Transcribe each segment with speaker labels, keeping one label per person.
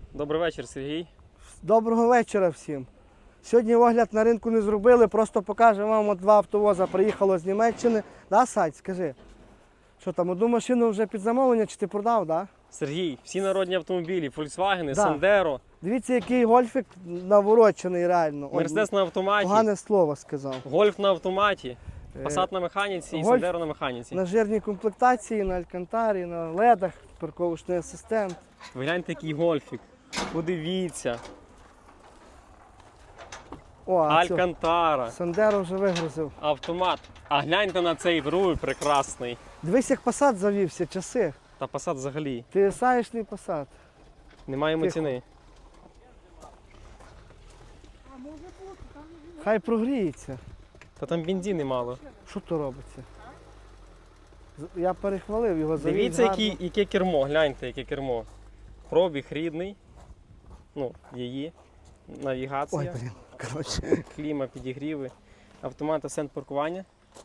Speaker 1: Добрий вечір, Сергій.
Speaker 2: Доброго вечора всім. Сьогодні огляд на ринку не зробили, просто покажемо вам, от два автовоза приїхало з Німеччини. Да, Сать, скажи, що там, одну машину вже під замовлення чи ти продав, да?
Speaker 1: Сергій, всі народні автомобілі, Volkswagen,
Speaker 2: Да.
Speaker 1: Sandero,
Speaker 2: Дивіться, який гольфік наворочений реально. Ой,
Speaker 1: Mercedes на автоматі,
Speaker 2: Погане слово сказав.
Speaker 1: Golf на автоматі,
Speaker 2: Е,
Speaker 1: Passat на механіці і
Speaker 2: Golf
Speaker 1: Sandero на механіці.
Speaker 2: На жирній комплектації, на алькантарі, на ледах, парковочний асистент.
Speaker 1: Ви гляньте, який гольфік. Подивіться.
Speaker 2: О, а цього
Speaker 1: Алькантара,
Speaker 2: Сандеро вже вигрузив.
Speaker 1: автомат. А гляньте на цей руль прекрасний.
Speaker 2: Дивись, як Passat завівся, часи.
Speaker 1: Та Passat взагалі.
Speaker 2: Ти саєшний Passat.
Speaker 1: Немає йому
Speaker 2: Тихо.
Speaker 1: ціни.
Speaker 2: Хай прогріється.
Speaker 1: Та там бензини мало.
Speaker 2: Що то робиться? Я перехвалив його, завів
Speaker 1: Дивіться,
Speaker 2: гарно.
Speaker 1: яке кермо, гляньте, яке кермо. Пробіг рідний. Ну, її. Навігація.
Speaker 2: Ой, блін, коротше.
Speaker 1: Кліма, підігріви, автомат асент паркування.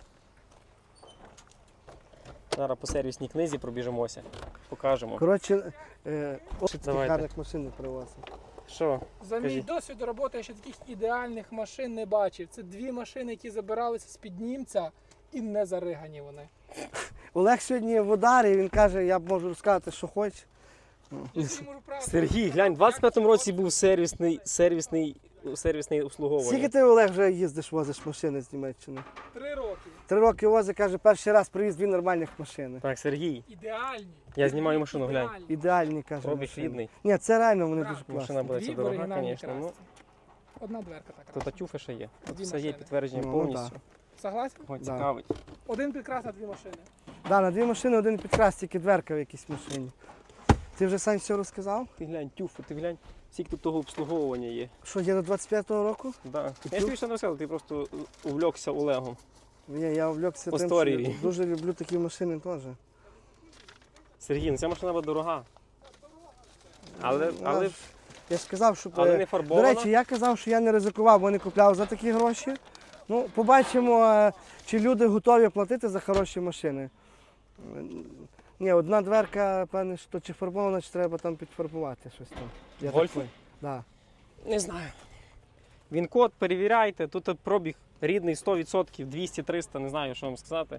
Speaker 1: Зараз по сервісній книзі пробіжимося, покажемо.
Speaker 2: Коротше,
Speaker 1: Давайте.
Speaker 2: гарних машин не привозив.
Speaker 1: Що?
Speaker 3: За мій
Speaker 1: Кажіть.
Speaker 3: досвід роботи я ще таких ідеальних машин не бачив. Це дві машини, які забиралися з-під німця і не заригані вони.
Speaker 2: Олег сьогодні в ударі, він каже, я можу розказати, що хоче.
Speaker 3: Я собі можу правду
Speaker 1: Сергій, глянь, в 25-му році був сервісний обслуговування.
Speaker 2: Скільки ти, Олег, вже їздиш, возиш машини з Німеччини?
Speaker 3: 3 роки.
Speaker 2: 3 роки возить, каже, перший раз привіз 2 нормальних машини.
Speaker 1: Так, Сергій,
Speaker 3: Ідеальні.
Speaker 1: Я знімаю машину, глянь.
Speaker 3: Ідеальні.
Speaker 2: Ідеальні, каже.
Speaker 1: пробіг
Speaker 2: машини.
Speaker 1: рідний.
Speaker 2: Ні, це реально вони
Speaker 3: Правда.
Speaker 2: дуже
Speaker 1: Машина
Speaker 2: класні.
Speaker 1: буде ця
Speaker 3: Дві в
Speaker 1: дорога,
Speaker 3: оригінальній
Speaker 1: звісно. Ну,
Speaker 3: красці. Одна дверка така.
Speaker 1: тут атюфи ще є. Тут
Speaker 3: Дві
Speaker 1: все є
Speaker 3: машини.
Speaker 1: підтвердження
Speaker 2: Ну,
Speaker 1: повністю.
Speaker 3: Согласен?
Speaker 1: Ой,
Speaker 2: Да.
Speaker 1: цікавить.
Speaker 3: Один підкрас на 2 машини.
Speaker 2: Да, на 2 машини, один підкрас, тільки дверка в якійсь машині. Ти вже сам все розказав?
Speaker 1: Ти глянь, тюфи, ти глянь, скільки тут того обслуговування є.
Speaker 2: Що, є до 25-го року?
Speaker 1: Да. Я ж тобі ще не розказав, ти просто увлекся Олегом.
Speaker 2: Ні, я увлекся
Speaker 1: По
Speaker 2: тим, що
Speaker 1: історії.
Speaker 2: я дуже люблю такі машини теж.
Speaker 1: Сергій, ну ця машина буде дорога. Але
Speaker 2: Вона ж- Я ж казав, що...
Speaker 1: не
Speaker 2: До
Speaker 1: фарбована.
Speaker 2: речі, я казав, що я не ризикував, бо не купляв за такі гроші. Ну, побачимо, чи люди готові платити за хороші машини. Ні, одна дверка, певне, що чи фарбована, чи треба там підфарбувати щось там. Я так
Speaker 1: Гольфи?
Speaker 2: понял. Да.
Speaker 1: Не знаю. Він код, перевіряйте, тут пробіг рідний 100%, 200-300, не знаю, що вам сказати.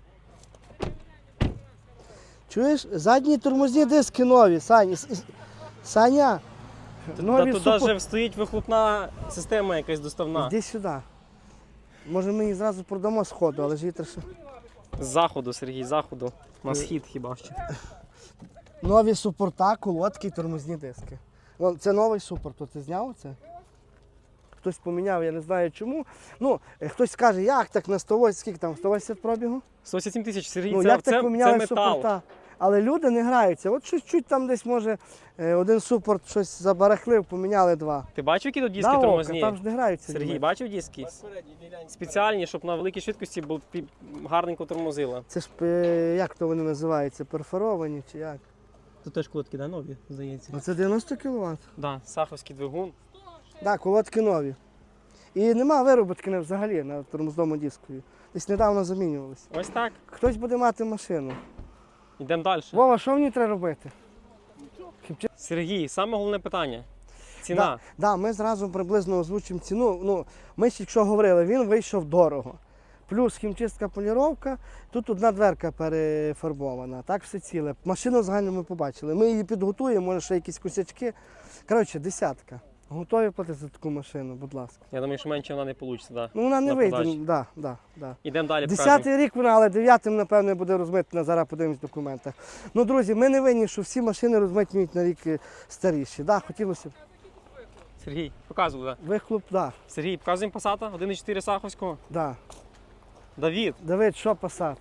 Speaker 2: Чуєш, задні тормозні диски нові, Саня,
Speaker 1: Та
Speaker 2: нові
Speaker 1: тут
Speaker 2: супер...
Speaker 1: навіть стоїть вихлопна система якась доставна.
Speaker 2: Іди сюди. Може ми її зразу продамо з ходу, але ж її треба...
Speaker 1: З заходу, Сергій, з заходу. На схід хіба що.
Speaker 2: Нові супорта, колодки і тормозні диски. Вон, це новий супорт, то ти зняв це? Хтось поміняв, я не знаю чому. Ну, хтось скаже, як так на 180, скільки там, 180 пробігу?
Speaker 1: 187 тисяч, Сергій,
Speaker 2: Ну,
Speaker 1: це,
Speaker 2: як
Speaker 1: це,
Speaker 2: так
Speaker 1: це
Speaker 2: поміняли
Speaker 1: метал.
Speaker 2: супорта? Але люди не граються. От чуть-чуть там десь, може, один супорт щось забарахлив, поміняли 2.
Speaker 1: Ти бачив, які тут диски
Speaker 2: Да,
Speaker 1: тормозні?
Speaker 2: там ж не граються.
Speaker 1: Сергій,
Speaker 2: люди.
Speaker 1: бачив диски? Спеціальні, щоб на великій швидкості гарненько тормозило.
Speaker 2: Це ж, як то вони називаються, перфоровані чи як?
Speaker 1: Тут теж колодки, да, нові, здається.
Speaker 2: Ну, це 90 кВт.
Speaker 1: Да, саховський двигун.
Speaker 2: Так, колодки нові. І нема вироботки взагалі на тормозному дискові. Десь недавно замінювалися.
Speaker 1: Ось так.
Speaker 2: Хтось буде мати машину.
Speaker 1: Йдемо далі.
Speaker 2: Вова, що в ній треба робити?
Speaker 1: Сергій, саме головне питання. Ціна.
Speaker 2: Да, ми зразу приблизно озвучимо ціну. Ну, ми ж якщо говорили, він вийшов дорого. Плюс хімчистка, поліровка, тут одна дверка перефарбована, так все ціле. Машину загально ми побачили. Ми її підготуємо, може ще якісь косячки. Коротше, 10. Готові платити за таку машину, будь ласка.
Speaker 1: Я думаю, що менше вона не вийде. Да.
Speaker 2: Ну вона не
Speaker 1: На
Speaker 2: вийде.
Speaker 1: подачі.
Speaker 2: Да.
Speaker 1: Ідемо далі.
Speaker 2: 10-й рік вона, але 9-м, напевне, буде розмитнена, зараз подивимось в документах. Ну, друзі, ми не винні, що всі машини розмитнюють на рік старіші. Да, хотілося б.
Speaker 1: Сергій, показуй, да.
Speaker 2: Вихлоп, да,
Speaker 1: Сергій, показуємо Пасата, 1.4 Саховського.
Speaker 2: да.
Speaker 1: Давід.
Speaker 2: Давид, що Passat?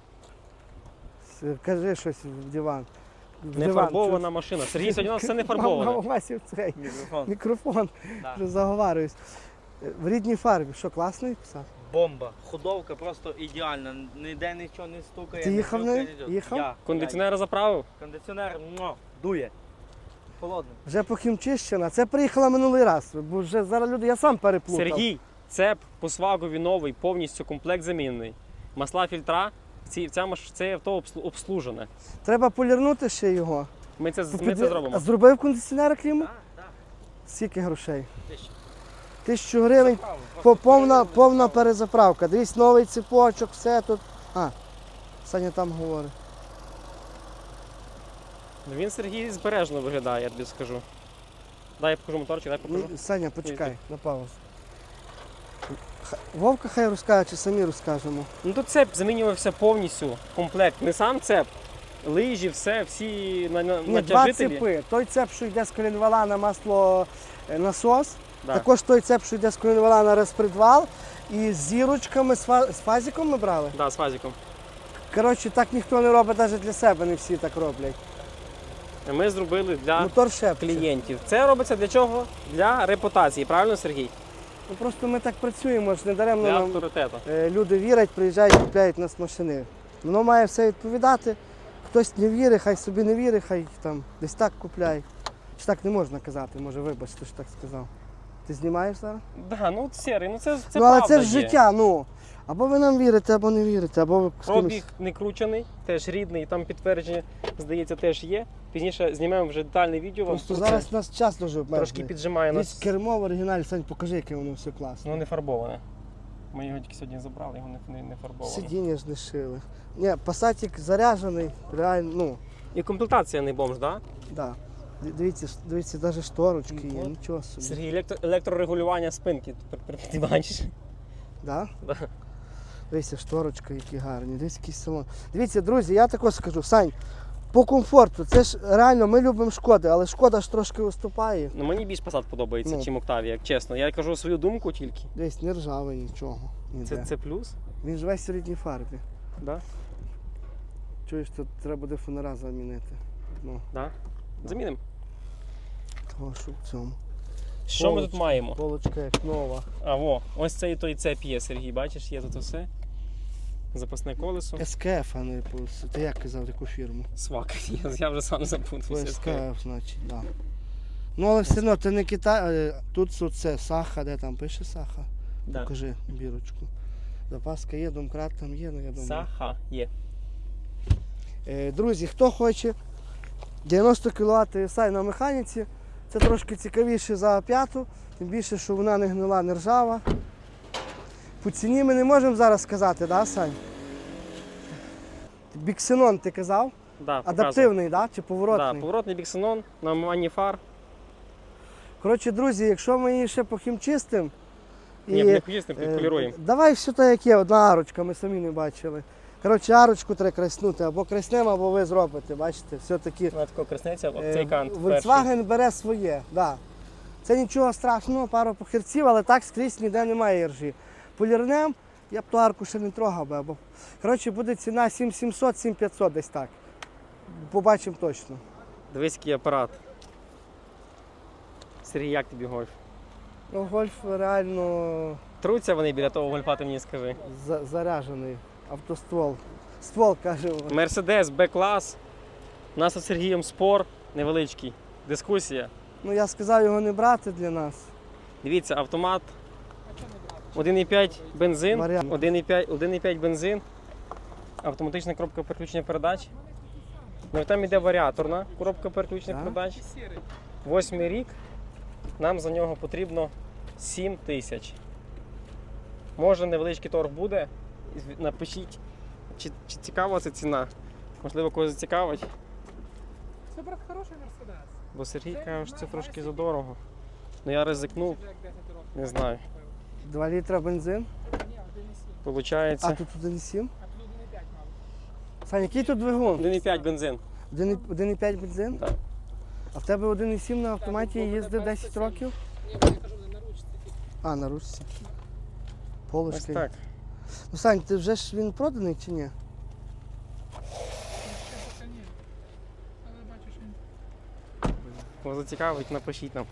Speaker 2: Кажи щось в диван. В
Speaker 1: Не
Speaker 2: диван.
Speaker 1: фарбована машина. Сергій, сьогодні у нас все не фарбоване.
Speaker 2: Васів цей
Speaker 4: Мікрофон.
Speaker 2: мікрофон,
Speaker 4: Да.
Speaker 2: вже заговарююсь. В рідній фарбі, що класний Passat?
Speaker 4: Бомба. Ходовка просто ідеальна. Ніде нічого не стукає.
Speaker 2: Ти
Speaker 4: не
Speaker 2: їхав
Speaker 4: хрюкає,
Speaker 2: нею?
Speaker 4: нічого.
Speaker 2: Їхав?
Speaker 4: Я.
Speaker 1: Кондиціонера заправив.
Speaker 4: Кондиціонер дує. Холодний.
Speaker 2: Вже похімчищена. Це приїхала минулий раз, бо вже зараз люди, я сам переплутав.
Speaker 1: Сергій, це по свагові новий, повністю комплект замінний. Масла, фільтра, це авто обслужене.
Speaker 2: Треба полірнути ще його.
Speaker 1: Ми це
Speaker 2: А
Speaker 1: зробимо.
Speaker 2: зробив кондиціонер клімат?
Speaker 4: Так, так.
Speaker 2: Скільки грошей?
Speaker 4: 1000.
Speaker 2: 1000 гривень, повна перезаправка. Дивись, новий цепочок, все тут. Саня там говорить.
Speaker 1: Він, Сергій, збережно виглядає, я тобі скажу. Дай я покажу моторчик, дай покажу.
Speaker 2: Ні, Саня, почекай, на паузу. Вовка хай розкаже, чи самі розкажемо.
Speaker 1: Ну тут цеп замінювався повністю, комплект. Не сам цеп, лижі, все, всі
Speaker 2: Ні, два
Speaker 1: натяжителі.
Speaker 2: цепи. Той цеп, що йде з колінвала на масло насос,
Speaker 1: Да.
Speaker 2: також той цеп, що йде з колінвала на розпредвал, і з зірочками, з фазиком ми брали.
Speaker 1: Да, з фазиком.
Speaker 2: Коротше, так ніхто не робить навіть для себе, не всі так роблять.
Speaker 1: Ми зробили для
Speaker 2: Мотор шепче.
Speaker 1: клієнтів. Це робиться для чого? Для репутації, правильно, Сергій?
Speaker 2: Ну, просто ми так працюємо, ж не даремно
Speaker 1: Для
Speaker 2: нам
Speaker 1: авторитету.
Speaker 2: люди вірять, приїжджають, купляють у нас машини. Воно має все відповідати. Хтось не вірить, хай собі не вірить, хай там десь так купляє. Чи так не можна казати, може вибачте, що так сказав. Ти знімаєш зараз?
Speaker 1: Да, ну серий, ну це
Speaker 2: ну але
Speaker 1: правда
Speaker 2: це ж
Speaker 1: є.
Speaker 2: життя, ну. Або ви нам вірите, або не вірите, або ви з кимось.
Speaker 1: Пробіг не кручений, теж рідний, там підтвердження, здається, теж є. Пізніше знімемо вже детальне відео. вам
Speaker 2: Просто
Speaker 1: про це.
Speaker 2: зараз нас час дуже
Speaker 1: Трошки
Speaker 2: обмежений.
Speaker 1: піджимає
Speaker 2: Десь
Speaker 1: нас.
Speaker 2: кермо в оригіналі, Сань, покажи, яке воно все класно.
Speaker 1: Ну не фарбоване. Ми його тільки сьогодні забрали, його не фарбоване.
Speaker 2: Сидіння ж не шили. Ні, пасатик заряджений, реально, ну,
Speaker 1: І комплектація не бомж, так?
Speaker 2: да. Дивіться, навіть шторочки є,
Speaker 1: От.
Speaker 2: нічого собі.
Speaker 1: Сергій, електрорегулювання спинки. Ти бачиш?
Speaker 2: Да?
Speaker 1: Да.
Speaker 2: Дивіться, шторочка, які гарні, дивіться, який салон. Дивіться, друзі, я також скажу, Сань, по комфорту, це ж реально, ми любимо Шкоди, але Шкода ж трошки уступає.
Speaker 1: Ну мені більш Passat подобається,
Speaker 2: Ну.
Speaker 1: чим Octavia, як чесно. Я кажу свою думку тільки.
Speaker 2: Десь не ржавий, нічого. Ніде.
Speaker 1: Це плюс?
Speaker 2: Він ж весь у рідній фарбі.
Speaker 1: Да?
Speaker 2: Чуєш, тут треба буде фонара замінити. Ну,
Speaker 1: Да? Замінимо.
Speaker 2: того, що в цьому.
Speaker 1: Що ми тут маємо?
Speaker 2: Полочка як нова.
Speaker 1: А, во, ось цей той цеп є, Сергій, бачиш, є тут все. Запасне колесо.
Speaker 2: СКФ, а не ти як казав, яку фірму?
Speaker 1: Свак. Я вже сам запутався.
Speaker 2: СКФ, значить, так. Да. Ну, але все одно, це не Китай, тут це Саха, де там пише Саха?
Speaker 1: Да.
Speaker 2: Покажи бірочку. Запаска є, домкрат там є, ну я думаю.
Speaker 1: Саха є.
Speaker 2: Друзі, хто хоче 90 кВт TSI на механіці, це трошки цікавіше за п'яту, тим більше, що вона не гнила, не ржава. По ціні ми не можемо зараз сказати, да, Сань? Біксенон ти казав?
Speaker 1: Да, показую.
Speaker 2: Адаптивний, да? Чи
Speaker 1: Да,
Speaker 2: поворотний?
Speaker 1: поворотний біксенон на мані фар.
Speaker 2: Коротше, друзі, якщо ми її ще похімчистимо,
Speaker 1: Ні, не почистимо, підполіруємо.
Speaker 2: давай все так, як є, одна арочка, ми самі не бачили. Коротше, арочку треба краснути, або краснемо, або ви зробите, бачите, все-таки.
Speaker 1: Вона тако краснеться, об цей кант.
Speaker 2: Volkswagen бере своє, да. Це нічого страшного, пару похерців, але так скрізь ніде немає іржі. Полірнем, я б ту арку ще не трогав би, або... Коротше, буде ціна 7700, 7500 десь так. Побачимо точно.
Speaker 1: Дивись, який апарат. Сергій, як тобі гольф?
Speaker 2: Ну, гольф реально
Speaker 1: Труться вони біля того гольфа, ти мені скажи.
Speaker 2: заряджений. Автоствол. Ствол, каже.
Speaker 1: Мерседес, Б-клас. У нас з Сергієм спор невеличкий. Дискусія.
Speaker 2: Ну я сказав його не брати для нас.
Speaker 1: Дивіться, автомат 1,5 бензин,
Speaker 2: Варіант.
Speaker 1: 1,5 бензин, автоматична коробка переключення передач. Ну і там іде варіаторна коробка переключення
Speaker 2: Так.
Speaker 1: передач.
Speaker 3: Сірий.
Speaker 1: 8-й рік. Нам за нього потрібно 7 тисяч. Може невеличкий торг буде. Напишіть, чи цікава ця ціна. Можливо, когось зацікавить.
Speaker 3: Це, брат, хороший Мерседес.
Speaker 1: Бо Сергій каже, що це трошки задорого. Ну я ризикнув,
Speaker 3: Вже як 10 років.
Speaker 1: не знаю.
Speaker 2: 2 літра бензин.
Speaker 3: Ні, 1,7.
Speaker 1: Получається
Speaker 2: А тут 1,7.
Speaker 3: А тут 1,5 мав.
Speaker 2: Сань, який тут двигун?
Speaker 1: 1,5 бензин.
Speaker 2: 1,5 бензин?
Speaker 1: Так.
Speaker 2: А в тебе 1,7 на автоматі їздив 10 років?
Speaker 3: Ні, я кажу, на ручці.
Speaker 2: А, на ручці.
Speaker 1: Ось
Speaker 2: Полочки.
Speaker 1: так.
Speaker 2: Ну, Сань, ти вже ж він проданий чи ні?
Speaker 3: Ще поки ні. Але бачиш, він
Speaker 1: Кого зацікавить, напишіть нам.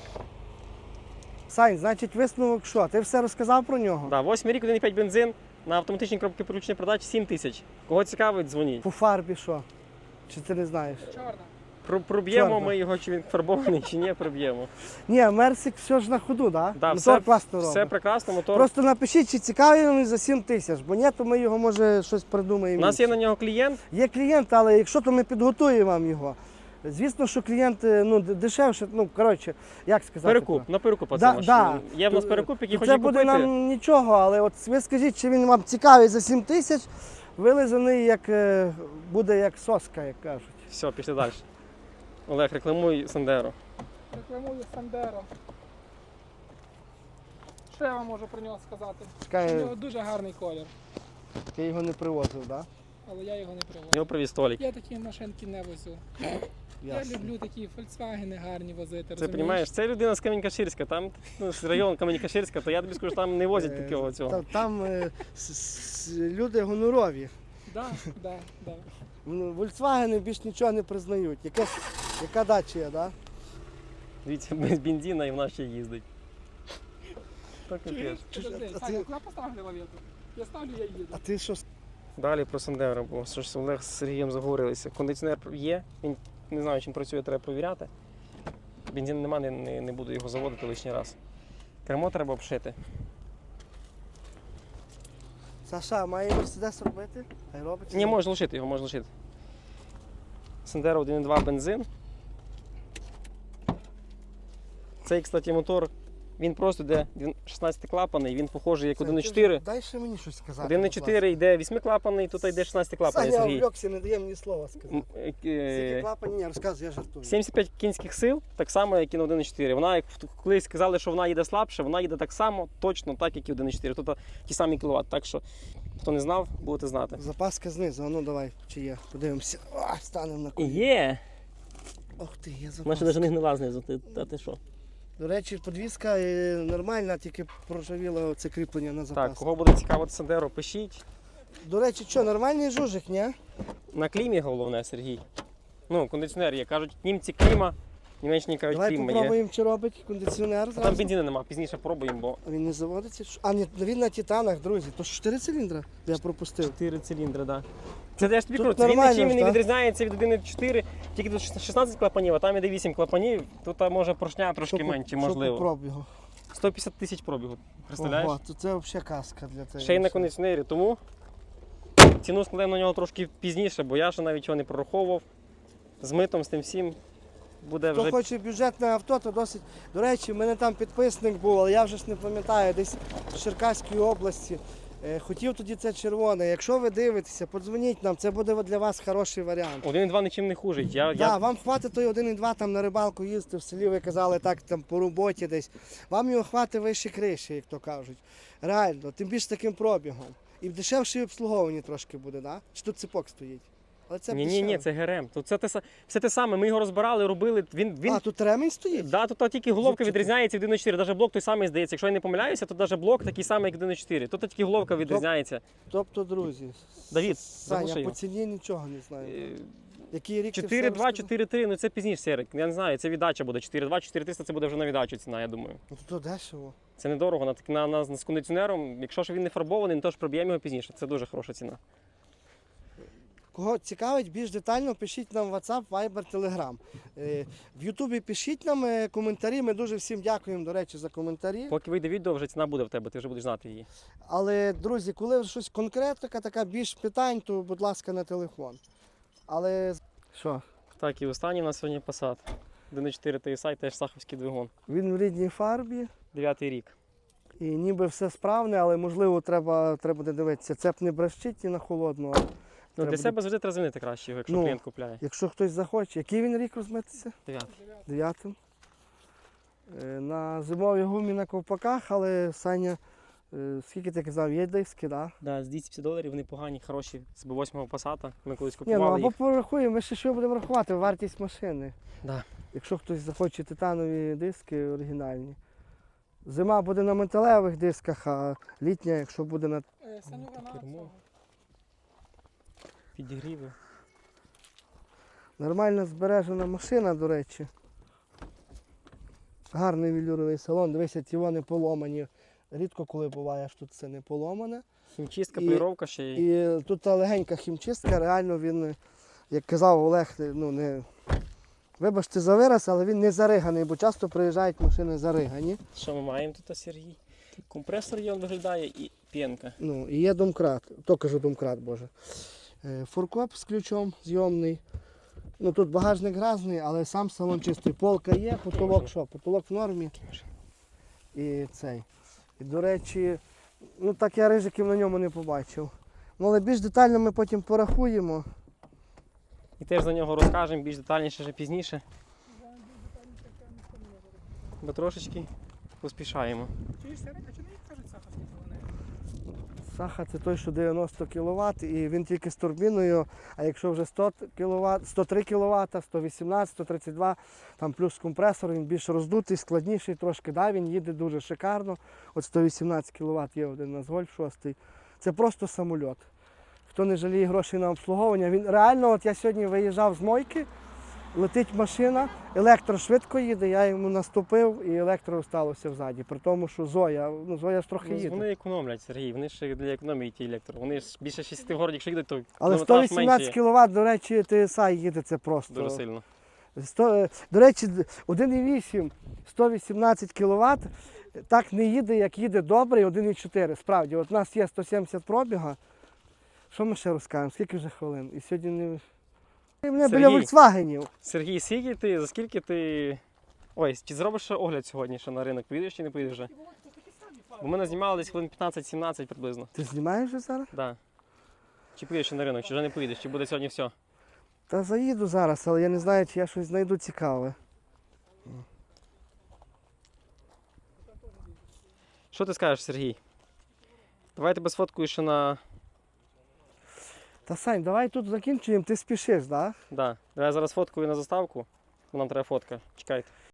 Speaker 2: Сань, значить висновок що? Ти все розказав про нього?
Speaker 1: Да, 8 рік, 1,5 бензин, на автоматичній коробці переключення передач 7 тисяч. Кого цікавить, дзвоніть.
Speaker 2: По фарбі що? Чи ти не знаєш?
Speaker 3: чорна.
Speaker 1: Проб'ємо
Speaker 2: Чорно.
Speaker 1: ми його, чи він фарбований, чи ні, проб'ємо.
Speaker 2: Ні, Мерсик все ж на ходу, да?
Speaker 1: Да,
Speaker 2: Мотор класно
Speaker 1: все
Speaker 2: робить.
Speaker 1: прекрасно, мотор.
Speaker 2: Просто напишіть, чи цікавий він за 7 тисяч, бо ні, то ми його може щось придумаємо.
Speaker 1: У нас є
Speaker 2: інше.
Speaker 1: на нього клієнт.
Speaker 2: Є клієнт, але якщо то ми підготуємо вам його. Звісно, що клієнт ну, дешевше, ну, коротше, як сказати.
Speaker 1: Перекуп, на перекуп
Speaker 2: Да,
Speaker 1: оце
Speaker 2: да.
Speaker 1: машина. Є в нас перекуп, який
Speaker 2: Це
Speaker 1: хоче
Speaker 2: буде
Speaker 1: купити.
Speaker 2: нам нічого, але от ви скажіть, чи він вам цікавий за 7 тисяч, вилизаний як, буде як соска, як кажуть.
Speaker 1: Все, пішли далі. Олег, рекламуй Сандеро.
Speaker 3: Рекламую Сандеро. Що я вам можу про нього сказати? У
Speaker 2: Чекай,
Speaker 3: нього дуже гарний колір,
Speaker 2: ти його не привозив, так?
Speaker 3: але я його не привожу.
Speaker 1: Його привіз Толік.
Speaker 3: Я такі машинки не возю. Я люблю такі Volkswagen гарні возити,
Speaker 1: Це розумієш, це людина з Камінь-Каширська, там ну, з району Камінь-Каширська, то я тобі скажу, там не возять такого цього.
Speaker 2: Там люди гонорові.
Speaker 3: Да, да, да.
Speaker 2: Ну, Volkswagen більш нічого не признають. Яка дача є, так?
Speaker 1: Дивіться, без бензина і в нас ще їздить. Так
Speaker 3: Чуєш?
Speaker 1: капець.
Speaker 3: Подожди,
Speaker 2: А
Speaker 3: Саня,
Speaker 2: ти-
Speaker 3: куди поставили лавету? Я ставлю, я їду.
Speaker 2: А ти що?
Speaker 1: Далі про Сандеро, бо що ж Олег з Сергієм заговорилися. Кондиціонер є, він не знаю, чим працює, треба перевіряти. Бензину нема, не буду його заводити лишній раз. Кермо треба обшити.
Speaker 2: Саша, має Мерседес робити? Хай робить.
Speaker 1: Ні, можеш лишити його, можеш лишити. Сандеро 1.2 бензин. Цей, кстати, мотор, він просто йде 16 клапаний, він похожий як 1.4.
Speaker 2: Дай ще мені щось сказати.
Speaker 1: 1.4 йде 8 клапаний, тут йде 16 клапаний,
Speaker 2: Саня
Speaker 1: Сергій.
Speaker 2: увлекся, не дає мені слова сказати. Скільки клапанів? Ні, розказуй, я жартую.
Speaker 1: 75 кінських сил, так само, як і на 1.4. Вона, як колись сказали, що вона їде слабше, вона їде так само, точно так, як і 1.4. Тут ті самі кіловат. Так що, хто не знав, будете знати.
Speaker 2: Запаска знизу, а ну давай, чи є. Подивимося. О, станемо на коліна.
Speaker 1: Є!
Speaker 2: Ох ти, є
Speaker 1: Вона ще
Speaker 2: запаска.
Speaker 1: навіть не гнила знизу, ти що?
Speaker 2: До речі, подвізка нормальна, тільки проржавіло це кріплення на
Speaker 1: Так,
Speaker 2: запаску.
Speaker 1: кого буде цікавити Сандеро, пишіть.
Speaker 2: До речі, що, нормальний жужик, ні?
Speaker 1: На клімі головне, Сергій. Ну, кондиціонер є. Кажуть, німці кліма, німечні кажуть,
Speaker 2: Давай
Speaker 1: кліма є.
Speaker 2: попробуємо, чи робить кондиціонер
Speaker 1: А там
Speaker 2: зразу.
Speaker 1: бензину нема, пізніше пробуємо, бо
Speaker 2: Він не заводиться? А, ні, він на титанах, друзі. То 4 циліндри я пропустив.
Speaker 1: 4 циліндри, так. Да. Це я ж тобі
Speaker 2: Тут
Speaker 1: кажу, це він
Speaker 2: нормально
Speaker 1: нічим
Speaker 2: ж,
Speaker 1: не
Speaker 2: так?
Speaker 1: відрізняється від 1.4, тільки тут 16 клапанів, а там іде 8 клапанів, тут може поршня трошки менше, можливо.
Speaker 2: пробігу.
Speaker 1: 150 тисяч пробігу, представляєш?
Speaker 2: Ого, то це взагалі казка для тебе.
Speaker 1: Ще й на кондиціонері, тому ціну складемо на нього трошки пізніше, бо я ще навіть його не прораховував. З митом, з тим всім буде
Speaker 2: Хто
Speaker 1: вже.
Speaker 2: хоче бюджетне авто, то досить. До речі, в мене там підписник був, але я вже ж не пам'ятаю, десь в Черкаській області. Хотів тоді це червоне. Якщо ви дивитеся, подзвоніть нам, це буде для вас хороший варіант.
Speaker 1: 1.2 нічим не хужить.
Speaker 2: Да, вам хватить той 1,2 там на рибалку їздити в селі, ви казали так там по роботі десь. Вам його хватить вище криші, як то кажуть. Реально, тим більше таким пробігом. І дешевше обслуговування трошки буде, да? Чи тут цепок стоїть? Але це
Speaker 1: Ні,
Speaker 2: дешеве.
Speaker 1: це ГРМ. Тут все те саме. Ми його розбирали, робили. Він...
Speaker 2: А, тут ремінь стоїть?
Speaker 1: Да, тут тільки головка
Speaker 2: Зубчики.
Speaker 1: відрізняється від 1.4. Навіть блок той самий здається. Якщо я не помиляюся, то навіть блок такий самий, як 1.4. Тут тільки головка відрізняється.
Speaker 2: Тобто, друзі,
Speaker 1: Давід,
Speaker 2: Саня,
Speaker 1: заглуши
Speaker 2: по
Speaker 1: його.
Speaker 2: ціні нічого не знаю.
Speaker 1: Е,
Speaker 2: Який рік ти все
Speaker 1: 4.2,
Speaker 2: розказав?
Speaker 1: 4.3, ну це пізніше серик. Я не знаю, це віддача буде. 4.2, 4.300 це буде вже на віддачу ціна, я думаю.
Speaker 2: Ну то дешево.
Speaker 1: Це недорого. З кондиціонером, якщо ж він не фарбований, ну, то ж проб'ємо його пізніше. Це дуже хороша ціна.
Speaker 2: Кого цікавить більш детально, пишіть нам в WhatsApp, Viber, Telegram. В Ютубі пишіть нам коментарі. Ми дуже всім дякуємо, до речі, за коментарі.
Speaker 1: Поки вийде відео, вже ціна буде в тебе, ти вже будеш знати її.
Speaker 2: Але, друзі, коли щось конкретика, така більш питань, то, будь ласка, на телефон. Але що?
Speaker 1: Так, і останній у нас сьогодні Passat. 1.4 TSI, теж саховський двигун.
Speaker 2: Він в рідній фарбі
Speaker 1: 9-й рік.
Speaker 2: і ніби все справне, але можливо треба буде дивитися. Цеп не брещить і на холодну. а
Speaker 1: Ну,
Speaker 2: треба
Speaker 1: для себе завжди треба змінити краще його, якщо
Speaker 2: Ну,
Speaker 1: клієнт купляє.
Speaker 2: Якщо хтось захоче, який він рік розмитися?
Speaker 1: 9.
Speaker 2: 9-м. На зимовій гумі на ковпаках, але Саня, скільки ти казав, є диски, так?
Speaker 1: Да, з $250 вони погані, хороші. З B8 Passat. Ми колись
Speaker 2: Ні, ну
Speaker 1: купували
Speaker 2: або
Speaker 1: їх.
Speaker 2: порахуємо, ми ще що будемо рахувати, вартість машини.
Speaker 1: Да.
Speaker 2: Якщо хтось захоче титанові диски оригінальні. Зима буде на металевих дисках, а літня, якщо буде на.
Speaker 3: Санюга на
Speaker 1: кермо.
Speaker 3: цього.
Speaker 1: Підігріви.
Speaker 2: Нормально збережена машина, до речі. Гарний велюровий салон, дивися, ті вони поломані. Рідко коли буває, що тут це не поломане.
Speaker 1: Хімчистка,
Speaker 2: І-
Speaker 1: поліровка ще й.
Speaker 2: І тут та легенька хімчистка, реально він, як казав Олег, ну не. Вибачте за вираз, але він не зариганий, бо часто приїжджають машини заригані.
Speaker 1: Що ми маємо тут, Сергій? Компресор є, він виглядає і п'янка.
Speaker 2: Ну, і є домкрат, то кажу домкрат, боже. Фуркоп з ключом зйомний. Ну тут багажник грязний, але сам салон чистий. Полка є, потолок що? Потолок в нормі. І цей. І до речі, ну так я рижиків на ньому не побачив. Ну але більш детально ми потім порахуємо.
Speaker 1: І теж за нього розкажемо більш детальніше вже пізніше. Бо трошечки поспішаємо.
Speaker 3: Чуєш, Сергій, а чому не кажуть Саха, скільки вони?
Speaker 2: Саха це той, що 90 кВт, і він тільки з турбіною, а якщо вже 100 кВт, 103 кВт, 118, 132, там плюс компресор, він більш роздутий, складніший трошки, да, він їде дуже шикарно. От 118 кВт є один у нас Гольф 6. Це просто самольот. Хто не жаліє грошей на обслуговування, він реально, от я сьогодні виїжджав з мойки, летить машина, електро швидко їде, я йому наступив і електро сталося взаді. При тому, що Зоя, ну Зоя ж трохи
Speaker 1: Ну,
Speaker 2: їде.
Speaker 1: вони економлять, Сергій, вони ж для економії ті електро. Вони ж більше 6 в городі, якщо їдуть, то
Speaker 2: Але
Speaker 1: кілометраж
Speaker 2: 118
Speaker 1: менше
Speaker 2: кВт, до речі, TSI їде, це просто.
Speaker 1: дуже сильно.
Speaker 2: До речі, 1,8, 118 кВт так не їде, як їде добрий 1,4. Справді, от у нас є 170 пробіга. Що ми ще розкажемо? Скільки вже хвилин? І сьогодні не... Мене біля
Speaker 1: Сергій.
Speaker 2: Volkswagenів.
Speaker 1: Сергій, скільки ти, за скільки ти... Ой, чи зробиш ще огляд сьогодні ще на ринок? Поїдеш чи не поїдеш вже? Бо ми знімали десь хвилин 15-17 приблизно.
Speaker 2: Ти знімаєш вже зараз?
Speaker 1: Да. Чи поїдеш ще на ринок, чи вже не поїдеш, чи буде сьогодні все?
Speaker 2: Та заїду зараз, але я не знаю, чи я щось знайду цікаве.
Speaker 1: Що ти скажеш, Сергій? Давай тебе сфоткаю ще на...
Speaker 2: Та Сань, давай тут закінчуємо, ти спішиш, так? Да?
Speaker 1: Да. Давай зараз фоткаю на заставку, бо нам треба фотка. Чекайте.